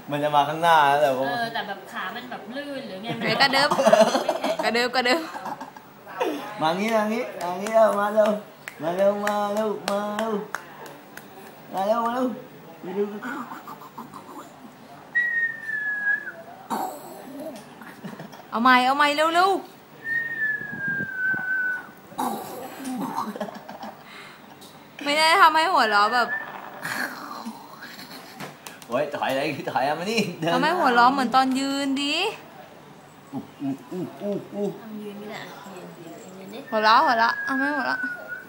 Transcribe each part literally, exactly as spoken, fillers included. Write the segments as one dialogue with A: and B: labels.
A: มันจะมาข้างหน้าแต่
B: เอ
A: ว่า
B: อแต่แบบขามันแบบลื่นหรือไงมัน
C: กระเดิบกระเดิบกระเดิบ
A: มางี้มางี้มางี้เร็วมาเร็วมาเร็วมาเร็วมาเร็วมาเร็วมาเร็วมาเร็ว
C: เอาใหม่เอาใหม่เร็วเร็วไม่ได้ทำให้หัวเราะแบบ
A: โอ้ยถอยอะไรถอยมานี่
C: ทำให้หัวเราะเหมือนตอนยืนดิ
A: อู้อู้อู้อู้อู้
B: ยืนไม่ได้ยืนยืนยืนดิ
C: หัวเราะหัวเราะเอาไม่หัวเราะ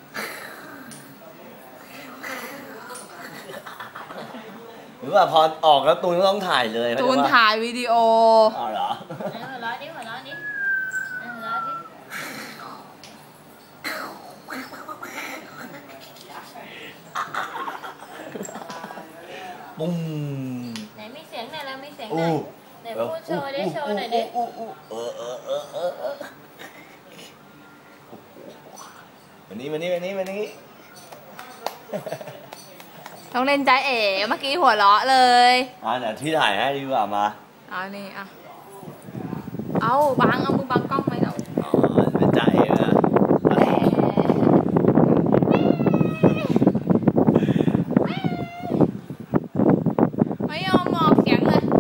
A: หรือว่าพอออกแล้วตูนก็ต้องถ่ายเลย
C: ตูนถ่ายวิดีโอ
A: อ๋อเหรอ
B: หัวเราะดิหัวเราะดิหัวเราะดิ
A: ปุ้ม
B: ไหนมีเสียงไหนแล้วมีเสียงไหนไหนพูดโชว์ดิโชว์หน่อยดิ
A: เออเออเออเออเออวันนี้วันนี้วันนี้วันนี้
C: ต้องเล่นใจเอ๋เมื่อกี้หัวเราะเลย
A: อ่ะเดี๋ยวที่ถ่ายให้ดีกว่ามา
C: เอานี่อ่ะเอาบังเอามือบังกล้องไหมเรา
A: อ๋อเป็นใจนะ
C: ไม่ยอมออกเสียงเลย